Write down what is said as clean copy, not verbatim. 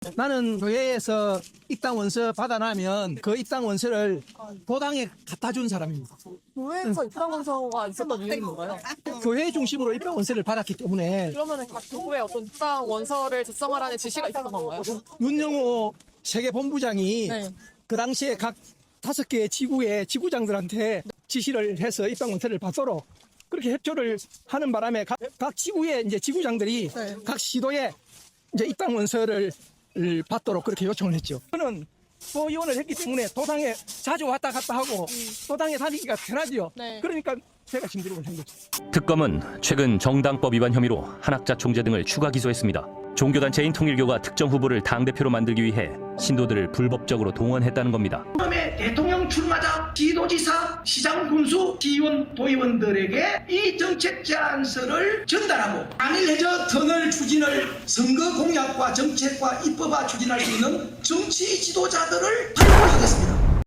나는 교회에서 입당 원서 받아나면 그 입당 원서를 도당에 갖다 준 사람입니다. 교회에서 입당 원서가 있었던 이유는 뭔가요? 교회 중심으로 입당 원서를 받았기 때문에 그러면은 각 교구에 어떤 입당 원서를 작성하라는 지시가 있었던 건가요? 윤영호 세계본부장이 네. 그 당시에 각 5개의 지구의 지구장들한테 지시를 해서 입당 원서를 받도록 그렇게 협조를 하는 바람에 각 지구의 이제 지구장들이 네. 각 시도에 이제 입당 원서를 받도록 그렇게 요청을 했죠. 저는 소위원을 했기 때문에 도당에 자주 왔다 갔다 하고 도당에 다니기가 편하지요. 네. 그러니까 제가 심부름을 한 거죠. 특검은 최근 정당법 위반 혐의로 한학자 총재 등을 추가 기소했습니다. 종교단체인 통일교가 특정 후보를 당대표로 만들기 위해 신도들을 불법적으로 동원했다는 겁니다. 처음에 대통령 출마자, 지도지사, 시장, 군수, 시의원, 도의원들에게 이 정책 제안서를 전달하고 안일해저 터널 추진을 선거 공약과 정책과 입법화 추진할 수 있는 정치 지도자들을 발굴하겠습니다.